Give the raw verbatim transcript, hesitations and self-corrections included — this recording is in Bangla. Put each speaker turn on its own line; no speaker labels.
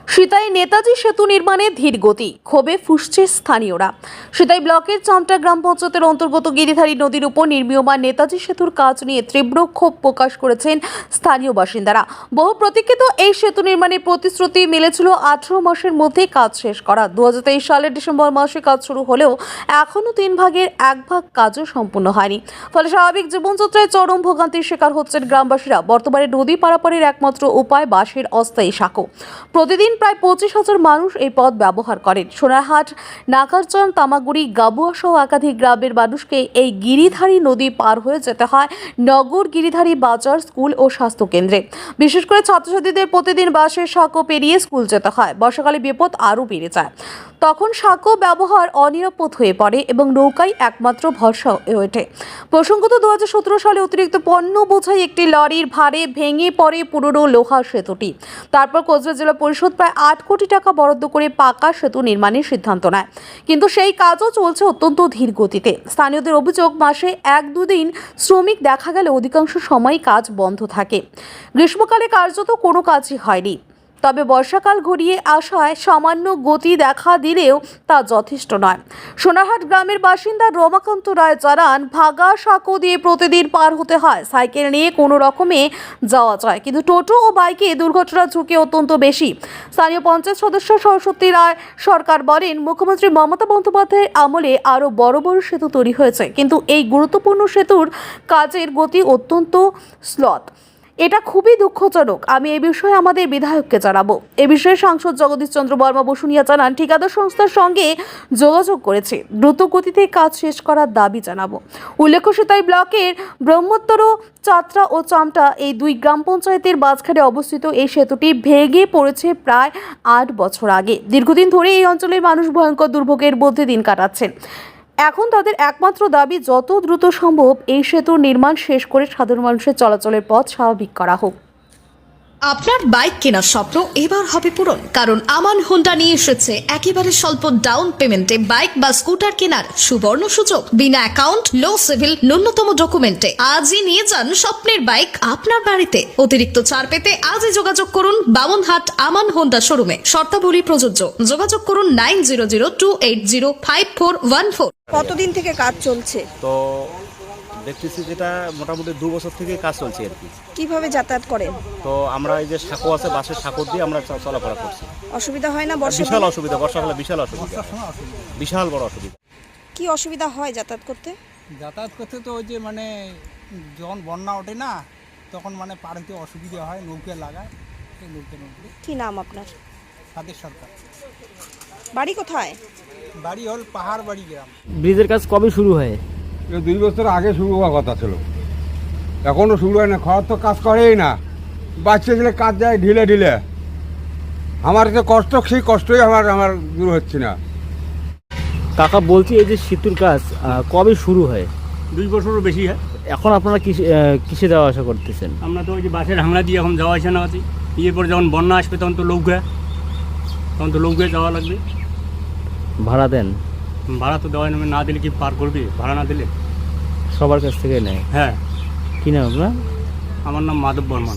সিতাই নেতাজি সেতু নির্মাণে ধীর গতি, ক্ষোভে ফুঁসছে স্থানীয়রা। সিতাই ব্লকের চামটা গ্রাম পঞ্চায়েতের অন্তর্গত গিরিধারী নদীর উপর নির্মীয়মান নেতাজি সেতুর কাজ নিয়ে তীব্র ক্ষোভ প্রকাশ করেছেন স্থানীয় বাসিন্দারা। বহু প্রতীক্ষিত এই সেতু নির্মাণের প্রতিশ্রুতি মিলেছিল আঠারো মাসের মধ্যে কাজ শেষ করা। দু হাজার তেইশ সালের ডিসেম্বর মাসে কাজ শুরু হলেও এখনও তিন ভাগের এক ভাগ কাজও সম্পূর্ণ হয়নি। ফলে স্বাভাবিক জীবনযাত্রায় চরম ভোগান্তির শিকার হচ্ছেন গ্রামবাসীরা। বর্তমানে নদী পারাপারের একমাত্র উপায় বাঁশের অস্থায়ী সাঁকো। প্রতিদিন প্রায় পঁচিশ হাজার মানুষ এই পথ ব্যবহার করেন। সোনারহাট, নাকারচন, তামাগুড়ি, গাবুয়া সহ একাধিক গ্রামের মানুষকে এই গিরিধারী নদী পার হয়ে যেতে হয় নগর, গিরিধারী বাজার, স্কুল ও স্বাস্থ্য কেন্দ্রে। বিশেষ করে ছাত্রছাত্রীদের প্রতিদিন বাসের সাঁকো পেরিয়ে স্কুল যেতে হয়। বর্ষাকালে বিপদ আরও বেড়ে যায়। তখন সাঁকো ব্যবহার অনিরাপদ হয়ে পড়ে এবং নৌকাই একমাত্র ভরসা হয়ে ওঠে। প্রসঙ্গত দু হাজার সতেরো সালে অতিরিক্ত পণ্য বোঝাই একটি লরির ভারে ভেঙে পড়ে পুরনো লোহার সেতুটি। তারপর কোচবিহার জেলা পরিষদ প্রায় আট কোটি টাকা বরাদ্দ করে পাকা সেতু নির্মাণের সিদ্ধান্ত নেয়, কিন্তু সেই কাজও চলছে অত্যন্ত ধীর গতিতে। স্থানীয়দের অভিযোগ, মাসে এক দুদিন শ্রমিক দেখা গেলে অধিকাংশ সময় কাজ বন্ধ থাকে। গ্রীষ্মকালে কার্যত কোনো কাজই হয়নি। তবে বর্ষাকাল ঘনিয়ে আসায় সামান্য গতি দেখা দিলেও তা যথেষ্ট নয়। সোনারহাট গ্রামের বাসিন্দা রমাকান্ত রায় জানান, ভাগা সাঁকো দিয়ে প্রতিদিন পার হতে হয়। সাইকেল নিয়ে কোনো রকমে যাওয়া যায়, কিন্তু টোটো ও বাইকে দুর্ঘটনার ঝুঁকি অত্যন্ত বেশি। স্থানীয় পঞ্চায়েত সদস্য সরস্বতী রায় সরকার বলেন, মুখ্যমন্ত্রী মমতা বন্দ্যোপাধ্যায়ের আমলে আরও বড় বড় সেতু তৈরি হয়েছে, কিন্তু এই গুরুত্বপূর্ণ সেতুর কাজের গতি অত্যন্ত স্লথ। এটা খুবই দুঃখজনক। আমি এই বিষয়ে আমাদের বিধায়ককে জানাবো। এ বিষয়ে সাংসদ জগদীশ চন্দ্র বর্মা বসুনিয়া জানান, ঠিকাদার সংস্থার সঙ্গে যোগাযোগ করেছে, দ্রুত গতিতে কাজ শেষ করার দাবি জানাবো। উল্লেখ্য, সিতাই ব্লকের ব্রহ্মোত্তর, চাত্রা ও চামটা এই দুই গ্রাম পঞ্চায়েতের মাঝখানে অবস্থিত এই সেতুটি ভেঙে পড়েছে প্রায় আট বছর আগে। দীর্ঘদিন ধরে এই অঞ্চলের মানুষ ভয়ঙ্কর দুর্ভোগের মধ্যে দিন কাটাচ্ছেন। এখন তাদের একমাত্র দাবি, যত দ্রুত সম্ভব এই সেতুর নির্মাণ শেষ করে সাধারণ মানুষের চলাচলের পথ স্বাভাবিক করা হোক।
আপনার বাইক কেনার স্বপ্ন এবার হবে পূরণ, কারণ আমান হোন্ডা নিয়ে এসেছে একেবারে স্বল্প ডাউন পেমেন্টে বাইক বা স্কুটার কেনার সুবর্ণ সুযোগ। বিনা অ্যাকাউন্ট, লো সিভিল, ন্যূনতম ডকুমেন্টে আজই নিয়ে যান স্বপ্নের বাইক আপনার বাড়িতে। অতিরিক্ত ছাড় পেতে আজই যোগাযোগ করুন বামনহাট আমান হোন্ডা শোরুমে। শর্তাবলী প্রযোজ্য। যোগাযোগ করুন nine zero zero two eight zero five four one four.
কতদিন থেকে কাজ চলছে?
তো দেখতেছি যেটা মোটামুটি দু বছর থেকে কাজ চলছে আর কি।
কিভাবে যাতায়াত করেন?
তো আমরা এই যে সাঁকো আছে, বাসের সাঁকো দিয়ে আমরা চ- চলাফেরা করছি।
অসুবিধা হয় না?
বিশাল
বর্ষা
অসুবিধা, বর্ষাকালে বিশাল অসুবিধা, বিশাল বড় অসুবিধা।
কি অসুবিধা হয় যাতায়াত করতে?
যাতায়াত করতে তো ওই যে মানে যখন বন্যা ওঠে না, তখন মানে পার হতে অসুবিধা হয়, নৌকা লাগায়, সেই নৌকা নৌকে।
কি নাম আপনার?
সাদের সরকার।
বাড়ি কোথায়?
বাড়ি হল পাহাড় বাড়ি গ্রাম।
ব্রিজের কাজ কবে শুরু হয়?
এ দুই বছর আগে শুরু হওয়ার কথা ছিল, এখনও শুরু হয় না। খরচ তো কাজ করেই না, বাচ্চা গেলে কাজ যায় ঢিলে ঢিলে। আমার যে কষ্ট, সেই কষ্টই আমার আমার দূর হচ্ছে না।
কাকা বলছি, এই যে সেতুর কাজ আহ, কবে শুরু হয়?
দুই বছরও বেশি হয়।
এখন আপনারা কিসে আহ, কিসে যাওয়া আসা করতেছেন?
আমরা তো ওই যে বাসের হাংলা দিয়ে এখন যাওয়া আসা না আছি। এরপরে যখন বন্যা আসবে তখন তো নৌকা, তখন তো নৌকায় যাওয়া লাগবে।
ভাড়া দেন?
ভাড়া তো দেওয়া নেবে, না দিলে কি পার করবে? ভাড়া না দিলে
সবার কাছ থেকে নেয়?
হ্যাঁ।
কি নাম আপনার?
আমার নাম মাধব বর্মন।